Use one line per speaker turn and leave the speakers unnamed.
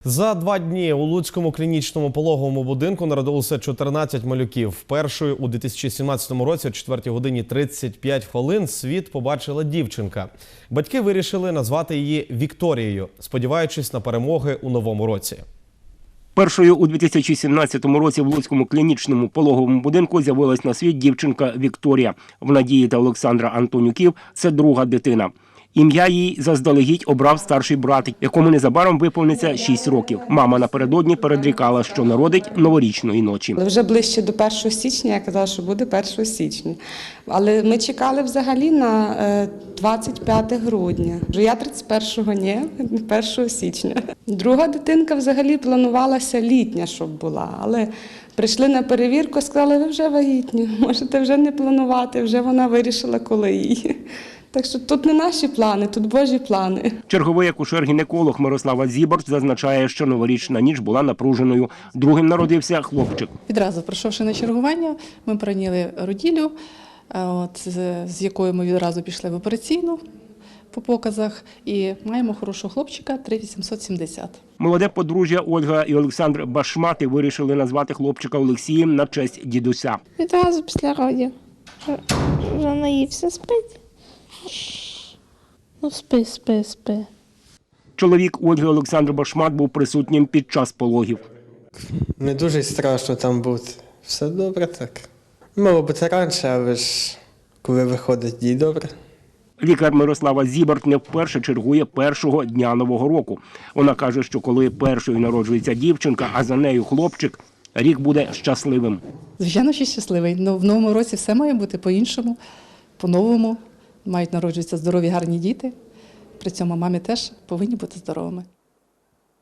За 2 дні у Луцькому клінічному пологовому будинку народилося 14 малюків. Першою у 2017 році о 4 годині 35 хвилин світ побачила дівчинка. Батьки вирішили назвати її Вікторією, сподіваючись на перемоги у новому році.
Першою у 2017 році в Луцькому клінічному пологовому будинку з'явилась на світ дівчинка Вікторія. В Надії та Олександра Антонюків це друга дитина. Ім'я їй заздалегідь обрав старший брат, якому незабаром виповниться 6 років. Мама напередодні передрікала, що народить новорічної ночі.
Вже ближче до 1 січня я казала, що буде 1 січня. Але ми чекали взагалі на 25 грудня. Я 31-го, ні, 1 січня. Друга дитинка взагалі планувалася літня, щоб була. Але прийшли на перевірку, сказали, ви вже вагітні, можете вже не планувати, вже вона вирішила, коли її. Так що тут не наші плани, тут Божі плани.
Черговий акушер-гінеколог Мирослава Зіборч зазначає, що новорічна ніч була напруженою. Другим народився хлопчик.
Відразу прийшовши на чергування, ми прийняли роділю, з якою ми відразу пішли в операційну по показах і маємо хорошого хлопчика 3870.
Молоде подружжя Ольга і Олександр Башмати вирішили назвати хлопчика Олексієм на честь дідуся.
Відразу після родів. Вже наївся, спить. Ну спи.
Чоловік Ольги Олександр Башмат був присутнім під час пологів.
Не дуже страшно там бути. Все добре так. Мало бути раніше, але ж коли виходить дій добре.
Лікар Мирослава Зіборч не вперше чергує першого дня Нового року. Вона каже, що коли першою народжується дівчинка, а за нею хлопчик, рік буде щасливим.
Звичайно, що щасливий. Но в новому році все має бути по-іншому, по-новому. Мають народжуватися здорові, гарні діти. При цьому мамі теж повинні бути здоровими.